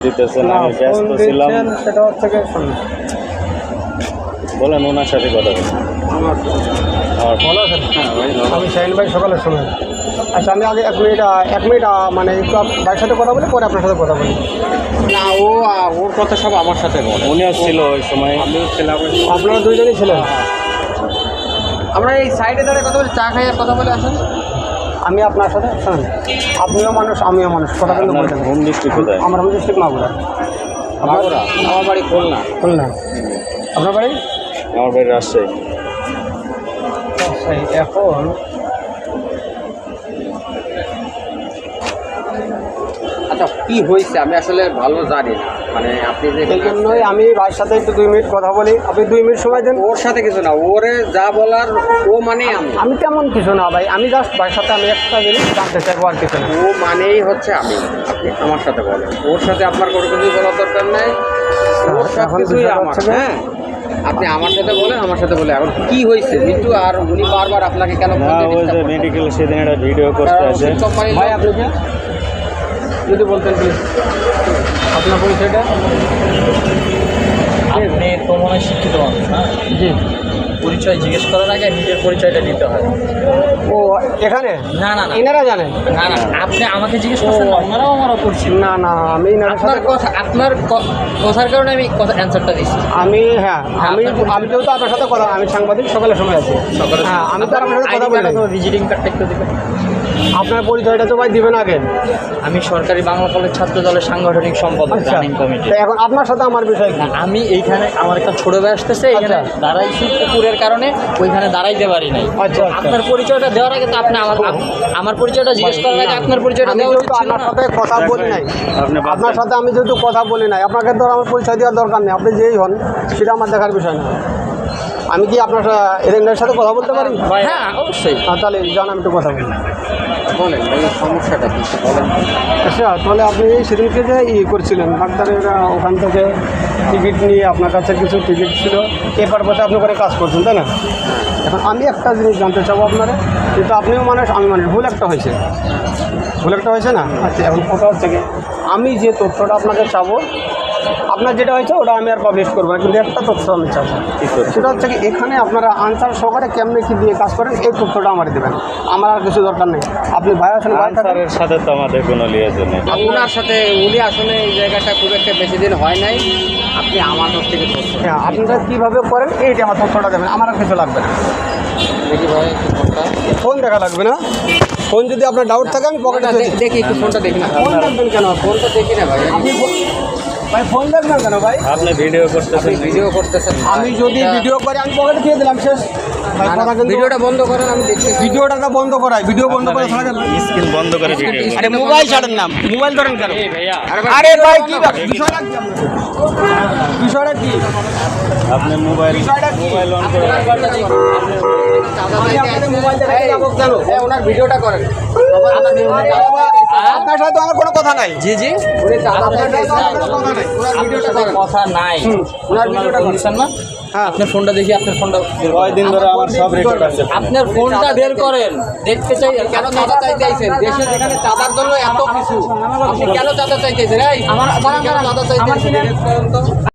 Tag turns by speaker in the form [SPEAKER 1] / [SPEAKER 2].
[SPEAKER 1] দিতেছেন, আমি ব্যস্ত ছিলাম।
[SPEAKER 2] সেটা হচ্ছে কি শুনুন,
[SPEAKER 1] বলেন ওনার সাথে কথা বলুন।
[SPEAKER 2] ভালো আছেন? আমি শাহিন ভাই সকালের সময়। আচ্ছা আমি আগে এক মিনিট মানে একটু ভাইয়ের সাথে কথা বলি, পরে আপনার সাথে কথা বলি।
[SPEAKER 3] না ওর কথা সব আমার সাথে বলে।
[SPEAKER 1] উনিও ছিল ওই সময়,
[SPEAKER 3] আমিও ছিলাম।
[SPEAKER 2] আপনারা দুইজনই ছিলেন?
[SPEAKER 3] আমরা এই সাইডে দাঁড়িয়ে কথা বলি, চা খাইয়ে কথা বলে আসেন।
[SPEAKER 2] আমি আপনার সাথে শুনুন, আপনিও মানুষ আমিও মানুষ, কথা কিন্তু বলছেন।
[SPEAKER 1] হোম ডিস্ট্রিক্ট কোথায়?
[SPEAKER 2] আমার হোম ডিস্ট্রিক্ট মাগুরা।
[SPEAKER 3] মাগুরা? আমার বাড়ি খুলনা।
[SPEAKER 2] খুলনা। আপনার বাড়ি?
[SPEAKER 1] আমার বাড়ি রাজশাহী।
[SPEAKER 2] এখন
[SPEAKER 3] আচ্ছা কি হয়েছে আমি আসলে ভালো জানি না, মানে আপনি যে
[SPEAKER 2] এই জন্যই আমি ভাইয়ের সাথে একটু 2 মিনিট কথা বলি। আপনি 2 মিনিট সময় দেন।
[SPEAKER 3] ওর সাথে কিছু না, ওরে যা বলার ও মানে
[SPEAKER 2] আমি তেমন কিছু না ভাই, আমি জাস্ট ভাইয়ের সাথে আমি একটা জিনিস জানতে চাইবো, আর কিছু না।
[SPEAKER 3] ও মানেই হচ্ছে আপনি আমার সাথে বলেন, ওর সাথে আপনার কোনো কিছুই বলার দরকার নেই। ওর সব
[SPEAKER 2] এখন
[SPEAKER 3] কিছুই
[SPEAKER 2] বিষয়টা
[SPEAKER 3] আমার।
[SPEAKER 2] হচ্ছে যে-
[SPEAKER 3] হ্যাঁ আপনি আমার সাথে বলেন, আমার সাথে বলে এখন কি হয়েছে মিন্টু, আর উনি বারবার আপনাকে কেন
[SPEAKER 1] না, ওই যে মেডিকেল সেদিন একটা ভিডিও করতে আসে।
[SPEAKER 3] কোম্পানির
[SPEAKER 2] ভাই আপনি কে? যদি বলতেন প্লিজ আপনার পরিচয়টা।
[SPEAKER 4] আপনি তো মনে হয় শিক্ষিত মানুষ না?
[SPEAKER 2] জি।
[SPEAKER 4] পরিচয় জিজ্ঞেস করার আগে নিজের পরিচয়টা দিতে হয়।
[SPEAKER 2] ও এখানে
[SPEAKER 4] না না না
[SPEAKER 2] এনারা জানেন?
[SPEAKER 4] না না, আপনি আমাকে জিজ্ঞেস করছেন, ওনারাও আমারও করছিল।
[SPEAKER 2] না না, আমি এনার
[SPEAKER 4] আপনার
[SPEAKER 2] সাথে
[SPEAKER 4] কথা, আপনার কথার কারণে আমি কথা অ্যান্সারটা দিচ্ছি।
[SPEAKER 2] আমি আমি যেহেতু আপনার সাথে কথা, আমি সাংবাদিক, সকালের সময় আছি।
[SPEAKER 4] সকালে
[SPEAKER 2] হ্যাঁ, আমি তো আপনার সাথে কথা বলি নাই।
[SPEAKER 4] ভিজিটিং কার্ডটা একটু দিবেন।
[SPEAKER 2] আপনার পরিচয়টা তো ভাই দিবেন আগে।
[SPEAKER 4] আমি সরকারি বাংলা কলেজ ছাত্র দলের সাংগঠনিক সম্পাদক,
[SPEAKER 2] আচ্ছা,
[SPEAKER 4] রানিং কমিটি।
[SPEAKER 2] তো এখন আপনার সাথে আমার বিষয় কি?
[SPEAKER 4] আমি এইখানে আমার একটা ছোট ভাই আসতেছে, এখানে
[SPEAKER 2] আচ্ছা।
[SPEAKER 4] দাঁড়াইছি পুকুরের কারণে, ওইখানে দাঁড়াইতে পারি নাই।
[SPEAKER 2] আচ্ছা, আচ্ছা।
[SPEAKER 4] আপনার পরিচয়টা দেওয়ার আগে তো আপনি আমার পরিচয়টা জিজ্ঞেস করার আগে আপনার পরিচয়টা
[SPEAKER 2] আমি
[SPEAKER 4] দেওয়া উচিত
[SPEAKER 2] যেহেতু
[SPEAKER 4] ছিল
[SPEAKER 2] আপনার
[SPEAKER 4] না?
[SPEAKER 2] সাথে কথা বলি নাই,
[SPEAKER 1] আপনি বাদ
[SPEAKER 2] আপনার
[SPEAKER 1] দেন।
[SPEAKER 2] সাথে আমি যেহেতু কথা বলি নাই, আপনাকে তো আমার পরিচয় দেওয়ার দরকার নেই। আপনি যেই হন সেটা আমার দেখার বিষয় না। আমি কি আপনার এদের সাথে কথা বলতে পারি?
[SPEAKER 4] হ্যাঁ অবশ্যই।
[SPEAKER 2] তাহলে জান আমি একটু কথা বলি।
[SPEAKER 3] বলেন এই সমস্যাটা কি বলেন।
[SPEAKER 2] আচ্ছা, তাহলে আপনি সেদিনকে যে করছিলেন ডাক্তারেরা ওখান থেকে টিকিট নিয়ে আপনার কাছে কিছু টিকিট ছিল, এই পারপাসে আপনি করে কাজ করছেন, তাই না? এখন আমি একটা জিনিস জানতে চাবো আপনারা, কিন্তু আপনিও মানুষ আমি মানুষ, ভুল একটা হয়েছে না? আচ্ছা, এখন কথা হচ্ছে কি, আমি যে তথ্যটা আপনাকে চাবো, আপনার যেটা হয়েছে ওটা আমি আর পাবলিশ করবো না, কিন্তু একটা তথ্য আমি চাবো। সেটা হচ্ছে কি, এখানে আপনারা আনসার সহকারে কেমনে কী দিয়ে কাজ করেন, এই তথ্যটা আমার দেবেন। আমার আর কিছু দরকার নেই। আপনি ভাই আছেন, ভাই থাকেন।
[SPEAKER 1] আনসারের সাথে তো আমাদের কোনো লিয়াজন নেই।
[SPEAKER 3] ওনার সাথে উনি আসলে এই জায়গাটা খুব একটা বেশি দিন হয় নাই, আপনি আমার কাছ থেকে তথ্য
[SPEAKER 2] হ্যাঁ, আপনারা কীভাবে করেন এইটা আমার তথ্যটা দেবেন, আমার আর কিছু লাগবে না।
[SPEAKER 3] দেখি ভাই একটু ফোনটা।
[SPEAKER 2] ফোন দেখা লাগবে না। ফোন যদি আপনার ডাউট থাকে আমি পকেটে
[SPEAKER 3] না, দেখি একটু ফোনটা দেখি না।
[SPEAKER 2] ফোন দেখবেন কেন?
[SPEAKER 3] ফোনটা দেখি না ভাই।
[SPEAKER 2] আপনি ভাই ফোন দেখবেন কেন ভাই?
[SPEAKER 1] আপনি ভিডিও
[SPEAKER 3] আপনি
[SPEAKER 1] করতেছেন,
[SPEAKER 3] ভিডিও করতেছেন,
[SPEAKER 2] আমি যদি ভিডিও করি আমি পকেটে দিয়ে দিলাম, শেষ। ভাই কথা কিন্তু
[SPEAKER 3] ভিডিওটা বন্ধ করেন, আমি দেখছি।
[SPEAKER 2] ভিডিওটা তো বন্ধ করাই, ভিডিও বন্ধ করে ছাড়া যাবে না।
[SPEAKER 1] স্ক্রিন বন্ধ করে ভিডিও
[SPEAKER 2] আরে মোবাইল ছাড়েন না, মোবাইল ধরেন কেন?
[SPEAKER 4] ভাইয়া
[SPEAKER 2] আরে ভাই কি বিষয়টা কি? বিষয়টা কি?
[SPEAKER 1] আপনি মোবাইল অন করে
[SPEAKER 2] আমি আপনাদের মোবাইল দেখাতে যাবো কেন?
[SPEAKER 3] ওনার ভিডিওটা করেন।
[SPEAKER 2] আপনার সাথে তো আমার কোনো কথা নাই।
[SPEAKER 4] জি জি,
[SPEAKER 3] উনি চাঁদা
[SPEAKER 2] আপনার সাথে তো আমার কোনো কথা নাই।
[SPEAKER 4] আপনার সাথে কথা নাই।
[SPEAKER 2] ওনার
[SPEAKER 4] আপনার
[SPEAKER 2] ভিডিওটা
[SPEAKER 4] ফোন দিচ্ছেন না?
[SPEAKER 2] হ্যাঁ।
[SPEAKER 4] আপনার ফোনটা দেখি, আপনার ফোনটা বের করেন।
[SPEAKER 1] কয়দিন ধরে আমার সব রেকর্ড আছে।
[SPEAKER 4] আপনার ফোনটা বের করেন, দেখতে চাই।
[SPEAKER 3] কেন চাঁদা চাইতে আইছেন? দেশে যেখানে চাঁদার জন্য এত কিছু, আপনি কেন চাঁদা চাইতেছেন? এই আমার চাঁদা চাইতেছেন?